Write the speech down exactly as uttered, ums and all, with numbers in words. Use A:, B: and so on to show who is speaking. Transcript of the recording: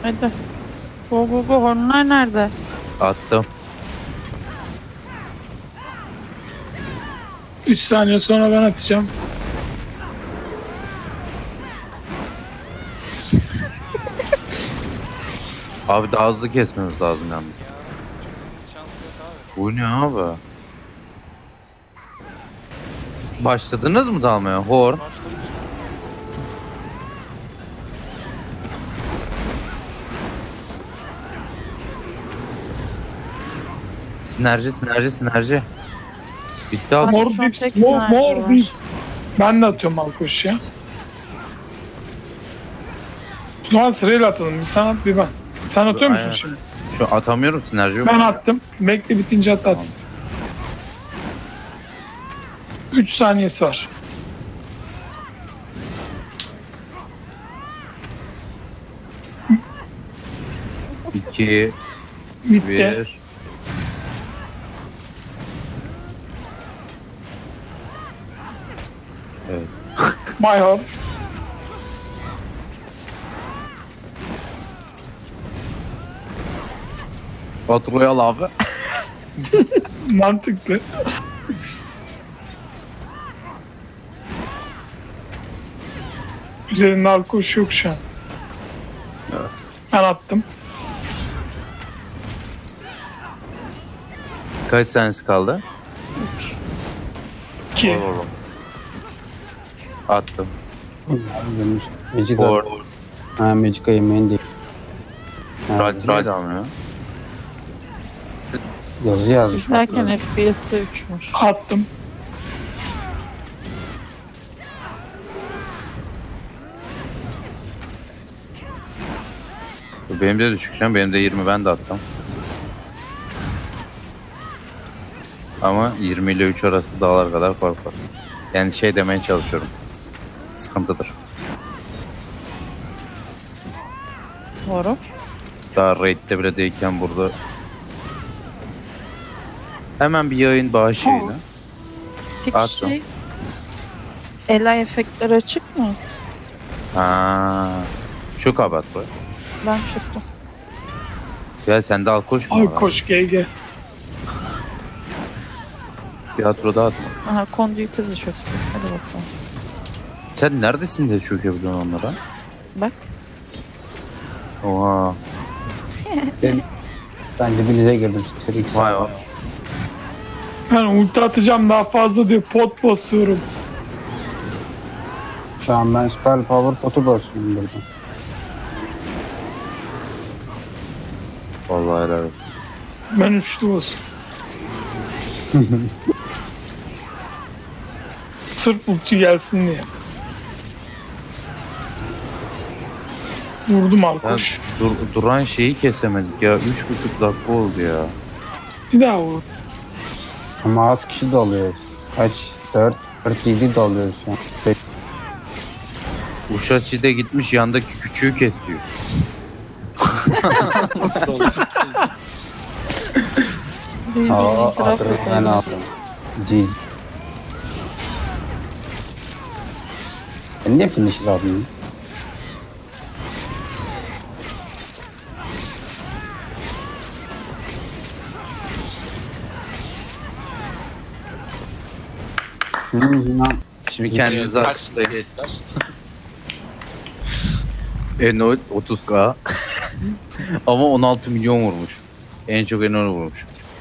A: Hadi. Go go go. Hornlar nerede?
B: Attım.
C: üç saniye sonra ben atacağım.
B: Abi daha hızlı kesmemiz lazım yalnız.
D: Şansı yok abi.
B: Bu ne abi? Başladınız mı dalmaya? Hor.
D: Başlamış.
B: Sinerji, sinerji, sinerji. Bitti abi.
C: Mor
A: şu an
C: dips,
A: tek
C: mor,
A: sniper
C: mor
A: var.
C: dips. Ben de atıyorum Malkoş ya. O zaman sırayla atalım. Bir sen at bir ben. Sen atıyor musun
B: Aynen.
C: şimdi?
B: Şu atamıyorum, sinerji yok.
C: Ben attım. Bekle bitince atarsın. üç saniyesi var.
B: iki,
C: Bitti.
B: bir. Evet.
C: My home.
B: Faturayı al abi.
C: Mantıklı. Üzerinde alkoş yok şu an.
B: Evet.
C: Ben attım.
B: Kaç saniyesi kaldı?
C: iki.
B: Vur oğlum. Attım.
E: Demiş. Magic
B: Hor.
E: Ha Magic yemeğin değil. Ha,
B: Rad rad almıyor.
E: yazı yazmış.
A: İzlerken F P S'i uçmuş.
C: Attım.
B: Benim de düşük şu an. Benim de yirmi, ben de attım. Ama yirmi ile üç arası dağlar kadar fark var. Yani şey demeye çalışıyorum. Sıkıntıdır.
A: Doğru.
B: Daha raid'de bile değilken burada. Hemen bir yayın bağışıyla.
A: Peki
B: Attım.
A: şey... Ela efektleri açık mı?
B: Ha. Çok abat bu.
A: Ben çıktım.
B: Ya sen de al koş mu?
C: Alkoş G G.
B: Tiyatroda atma.
A: Aha Conduit'e de çöktü. Hadi bakalım.
B: Sen neredesin de çökebiliyorsun onlara?
A: Bak.
B: Oha.
E: Ben, ben dibinize girdim. Seri
B: Vay vay.
C: Ben ulti atacağım daha fazla diye pot basıyorum.
E: Şu an ben spell power potu basıyorum burada.
B: Vallahi helal olsun.
C: Ben üçlü basıyorum. Sırf ulti gelsin diye. Vurdum
B: Ben
C: alkoş.
B: dur, duran şeyi kesemedik ya. Üç buçuk dakika oldu ya.
C: Bir daha vur.
E: Ama az kişi doluyor. Kaç? dört, kırk yedi doluyoruz şu an. Beş-
B: Uşaçi'de gitmiş yandaki küçüğü kesiyor.
A: Birbirini
E: Aa,
A: itiraf
E: adrenalin
A: edelim.
E: aldım. G G. Ben niye finisher aldım? Şunun yüzünden
B: Şimdi kendinizi
F: Kaç
B: alkışlayın.
F: ister?
B: Eno otuz K. Ama on altı milyon vurmuş. En çok Eno vurmuş.